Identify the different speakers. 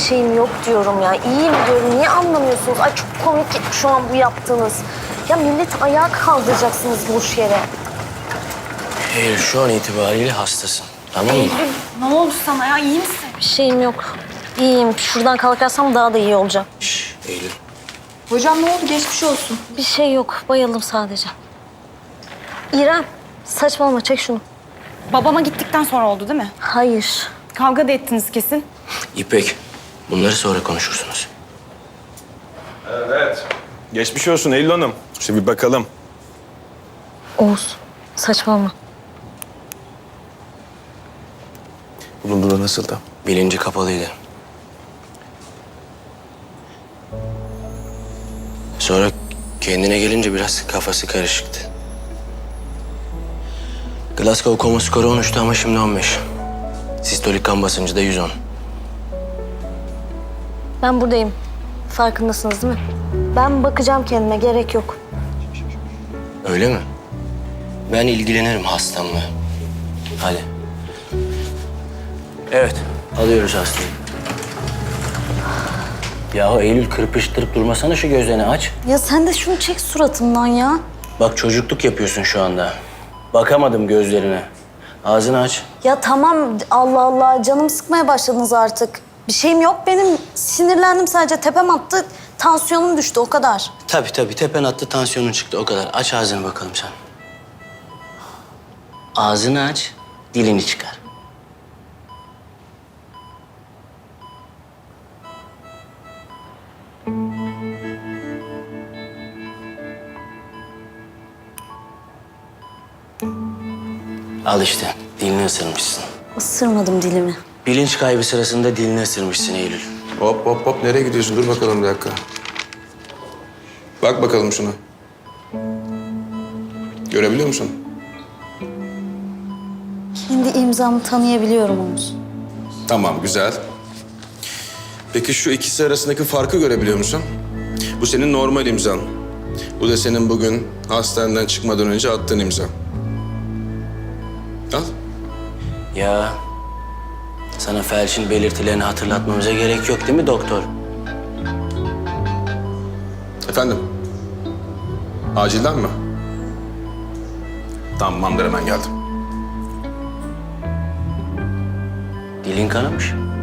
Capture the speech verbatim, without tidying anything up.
Speaker 1: şeyim yok diyorum ya. İyiyim diyorum. Niye anlamıyorsunuz? Ay çok komik şu an bu yaptığınız. Ya millet ayağa kaldıracaksınız boş yere.
Speaker 2: Eylül şu an itibariyle hastasın. Tamam mı?
Speaker 3: Ne oldu sana ya? İyi misin?
Speaker 1: Bir şeyim yok. İyiyim. Şuradan kalkarsam daha da iyi olacağım.
Speaker 2: Şş, Eylül.
Speaker 3: Hocam ne oldu? Geçmiş olsun.
Speaker 1: Bir şey yok. Bayıldım sadece. İrem, saçmalama. Çek şunu.
Speaker 3: Babama gittikten sonra oldu değil mi?
Speaker 1: Hayır.
Speaker 3: Kavga da ettiniz kesin.
Speaker 2: İpek, bunları sonra konuşursunuz.
Speaker 4: Evet. Geçmiş olsun Eylül Hanım. Şimdi bir bakalım.
Speaker 1: Oğuz, saçmalama.
Speaker 4: Bulunduğu nasıldı?
Speaker 2: Bilinci kapalıydı. Sonra kendine gelince biraz kafası karışıktı. Glasgow koma skoru on üçtü ama şimdi on beş. Sistolik kan basıncı da yüz on.
Speaker 1: Ben buradayım. Farkındasınız değil mi? Ben bakacağım kendime. Gerek yok.
Speaker 2: Öyle mi? Ben ilgilenirim hastamla. Hadi. Evet, alıyoruz hastayı. Yahu Eylül kırpıştırıp durmasana şu gözlerini aç.
Speaker 1: Ya sen de şunu çek suratımdan ya.
Speaker 2: Bak çocukluk yapıyorsun şu anda. Bakamadım gözlerine. Ağzını aç.
Speaker 1: Ya tamam Allah Allah canım sıkmaya başladınız artık. Bir şeyim yok benim. Sinirlendim sadece tepem attı. Tansiyonum düştü o kadar.
Speaker 2: Tabii tabii tepen attı tansiyonun çıktı o kadar. Aç ağzını bakalım sen. Ağzını aç, dilini çıkar. Al işte, dilini ısırmışsın.
Speaker 1: Isırmadım dilimi.
Speaker 2: Bilinç kaybı sırasında dilini ısırmışsın Eylül.
Speaker 5: Hop hop hop nereye gidiyorsun? Dur bakalım bir dakika. Bak bakalım şuna. Görebiliyor musun?
Speaker 1: Kendi imzamı tanıyabiliyorum Oğuz.
Speaker 5: Tamam güzel. Peki şu ikisi arasındaki farkı görebiliyor musun? Bu senin normal imzan. Bu da senin bugün hastaneden çıkmadan önce attığın imza. Al.
Speaker 2: Ya sana felçin belirtilerini hatırlatmamıza gerek yok değil mi doktor?
Speaker 5: Efendim? Acilden mi? Tamamdır hemen geldim.
Speaker 2: Dilin kanamış.